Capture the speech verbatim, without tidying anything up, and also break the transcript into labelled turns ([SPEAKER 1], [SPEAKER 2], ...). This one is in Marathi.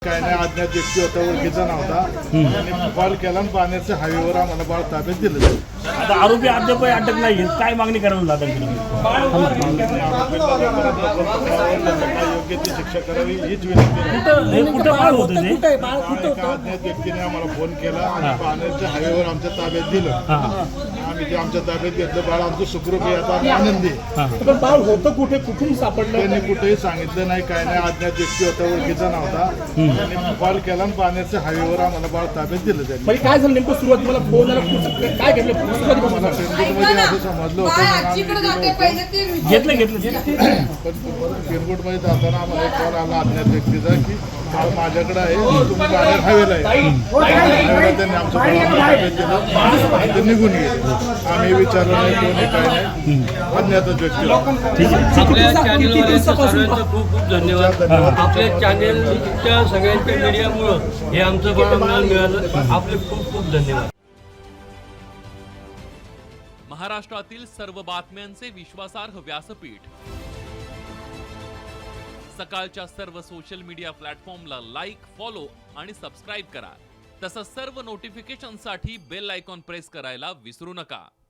[SPEAKER 1] काय नाही अज्ञात व्यक्ती होता, ओळखीचा नव्हता. त्यांनी कॉल केला आणि पाण्याच्या हायवेवर आम्हाला बाळ ताब्यात दिलं.
[SPEAKER 2] आता आरोपी अद्याप अटक नाही, काय मागणी करायला जातात?
[SPEAKER 1] योग्य ती शिक्षा करावी हीच विनंती.
[SPEAKER 2] कुठं बाळ होतं ते?
[SPEAKER 1] एका अज्ञात व्यक्तीने आम्हाला फोन केला आणि पाण्याच्या हायवेवर आमच्या ताब्यात दिलं. आम्ही ते आमच्या ताब्यात घेतलं. बाळ आमचं सुखरूप आहे, आता आम्ही आनंदी आहे.
[SPEAKER 3] पण बाळ होतं कुठे, कुठून सापडलं?
[SPEAKER 1] त्यांनी कुठेही सांगितलं नाही, काय नाही अज्ञात व्यक्ती होता, ओळखीचा नव्हता. त्यांनी कॉल केला आणि पाण्याच्या हायवेवर आम्हाला बाळ ताब्यात दिलं. त्यांनी
[SPEAKER 3] म्हणजे काय झालं नेमकं? सुरुवात मला फोन आला, काय घडलं?
[SPEAKER 1] मला पेनकोटमध्ये असं समजलं होतं.
[SPEAKER 2] घेतलं घेतलं
[SPEAKER 1] पण पेनकोटमध्ये जाताना आम्हाला एक कॉल आला अज्ञात व्यक्तीचा की बाळ माझ्याकडे आहे, तुम्ही बाहेर हायवेला आहे. हायवेला त्यांनी आमचं बाळ आम्हाला ताब्यात दिलं आणि ते निघून गेले. आम्ही विचारलं नाही, कोणी काय नाही, अज्ञातच व्यक्ती.
[SPEAKER 4] आपल्या चॅनलवाल्यांचं सर्वांचं खूप खूप धन्यवाद. आपल्या चॅनलच्या सगळ्यांच्या मीडियामुळं हे आमचं बाळ मला मिळालं. आपले खूप खूप धन्यवाद.
[SPEAKER 5] महाराष्ट्रातील सर्व बातम्यांचे विश्वासार्ह व्यासपीठ, सकाळच्या सर्व सोशल मीडिया प्लॅटफॉर्मला लाईक, फॉलो आणि सबस्क्राईब करा. तसंच सर्व नोटिफिकेशनसाठी बेल आयकॉन प्रेस करायला विसरू नका.